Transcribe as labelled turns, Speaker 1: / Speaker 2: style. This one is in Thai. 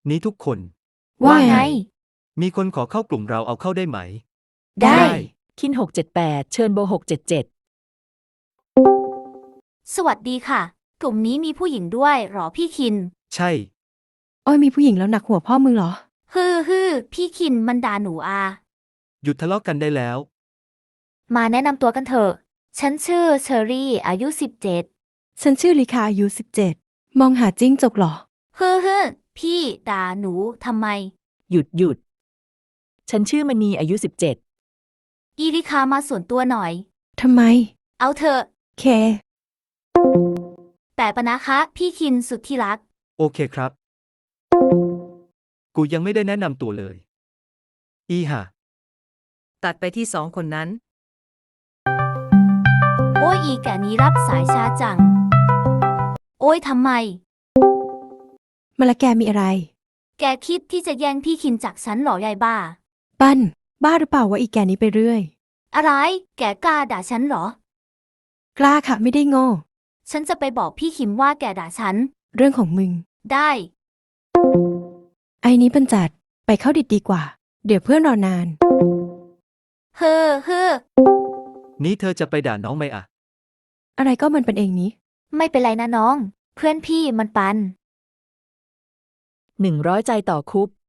Speaker 1: นี้ทุกคน
Speaker 2: ว่าไง
Speaker 1: มีคนขอเข้ากลุ่มเราเอาเข้าได้ไหม
Speaker 2: ได้
Speaker 3: คิน678เชิญโบ677
Speaker 2: สวัสดีค่ะ กลุ่มนี้มีผู้หญิงด้วยหรอพี่คิน
Speaker 1: ใช่
Speaker 4: อ้อยมีผู้หญิงแล้วหนักหัวพ่อมึงเหรอ
Speaker 2: ฮือพี่คินมันด่าหนูอา
Speaker 1: หยุดทะเลาะกันได้แล้ว
Speaker 2: มาแนะนำตัวกันเถอะ ฉันชื่อเชอรี่อายุ17
Speaker 4: ฉันชื่อลิคาอายุ17มองหาจิ้งจกเหรอ
Speaker 2: ฮือพี่ด่าหนูทำไม
Speaker 3: หยุด ฉันชื่อมณีอายุ17
Speaker 2: อีริคามาส่วนตัวหน่อย
Speaker 4: ทำไม
Speaker 2: เอาเถอะ
Speaker 4: เค
Speaker 2: แต่ปะนะคะพี่คินสุดที่รัก
Speaker 1: โอเคครับ กูยังไม่ได้แนะนำตัวเลย อีห่า
Speaker 5: ตัดไปที่2 คนนั้น
Speaker 2: โอ้ยอีแก่นี้รับสายช้าจัง โอ้ยทำไม
Speaker 4: มาละแกมีอะไร
Speaker 2: แกคิดที่จะแย่งพี่คินจากฉันเหรอยายบ้า
Speaker 4: ปั้น บ้าหรือเปล่าว่าอีแกนี้ไปเรื่อย
Speaker 2: อะไร แกกล้าด่าฉันเหรอ
Speaker 4: กล้าค่ะไม่ได้โง่
Speaker 2: ฉันจะไปบอกพี่คิมว่าแกด่าฉัน
Speaker 4: เรื่องของมึง
Speaker 2: ได้
Speaker 4: ไอ้นี้บรรจัด ไปเข้าดิดดีกว่า เดี๋ยวเพื่อนรอนาน
Speaker 2: เฮ้อ
Speaker 1: นี้เธอจะไปด่าน้องไหมอะ
Speaker 4: อะไรก็มันเป็นเองนี้
Speaker 2: ไม่เป็นไรนะน้อง เพื่อนพี่มันปัน
Speaker 3: 100ใจต่อคุป